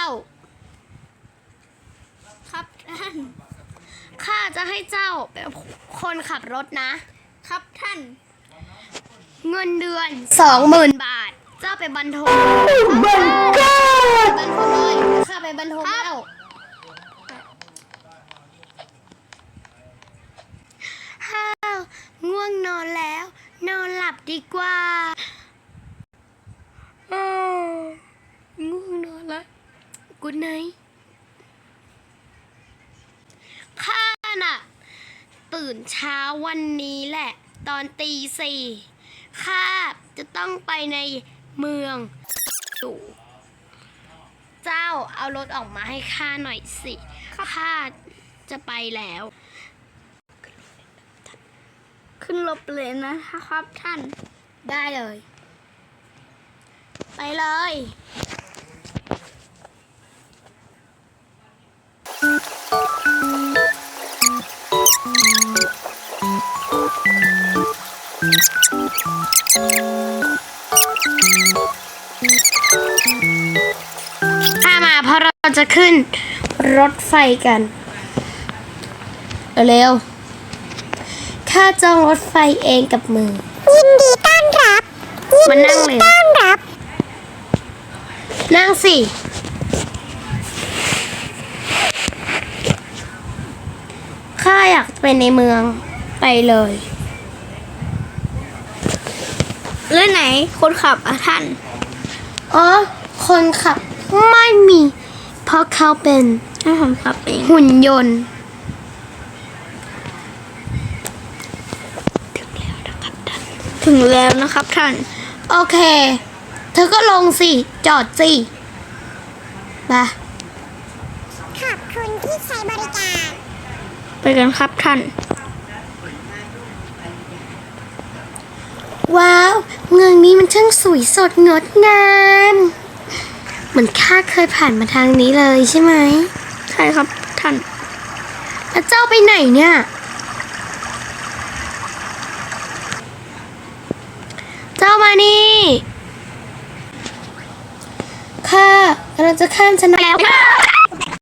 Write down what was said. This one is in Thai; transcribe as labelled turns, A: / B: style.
A: ครับท่าน
B: ข้าจะให้เจ้าเป็นคนขับรถนะ
A: ครับท่าน
B: เงินเดือน 20,000 บาท เจ้าไปบรรทมไปบรรทมเลยข้าไปบรรทมแล้วฮ่าวง่วงนอนแล้ว นอนหลับดีกว่าง่วงนอนแล้วกูไนท์ข้าน่ะ ตื่นเช้าวันนี้แหละ ตอนตี 4ข้าจะต้องไปในเมืองอยู่เจ้าเอารถออกมาให้ข้าหน่อยสิข้าจะไปแล้ว
A: ขึ้นรถเลยนะครับท่าน
B: ได้เลย ไปเลย ถ้ามาเพราะเราจะขึ้นรถไฟกัน เร็วๆข้าจองรถไฟเองกับมือ
C: ยินดีต้อนรับ
B: มานั่งเลย
C: ต้อนรับ
B: นั่งสิข้าอยากไปในเมืองไปเลย
A: แล้วไหนคนขับท่าน
B: อ๋อ คนขับไม่มี เพราะเขาเป็น
A: ให้ผมขับเอง
B: หุ่นยนต์
A: ถึงแล้วนะครับท่าน
B: โอเค เธอก็ลงสิ จอดสิไป
C: ขอบคุณที่ใช้บริการ
A: ไปกันครับท่าน
B: ว้าว เมืองนี้มันช่างสวยสดงดงาม เหมือนข้าเคยผ่านมาทางนี้เลยใช่ไหม
A: ใช่ครับท่าน
B: แล้วเจ้าไปไหนเนี่ย เจ้ามานี่ข้ากำลังจะข้ามชนะแล้ว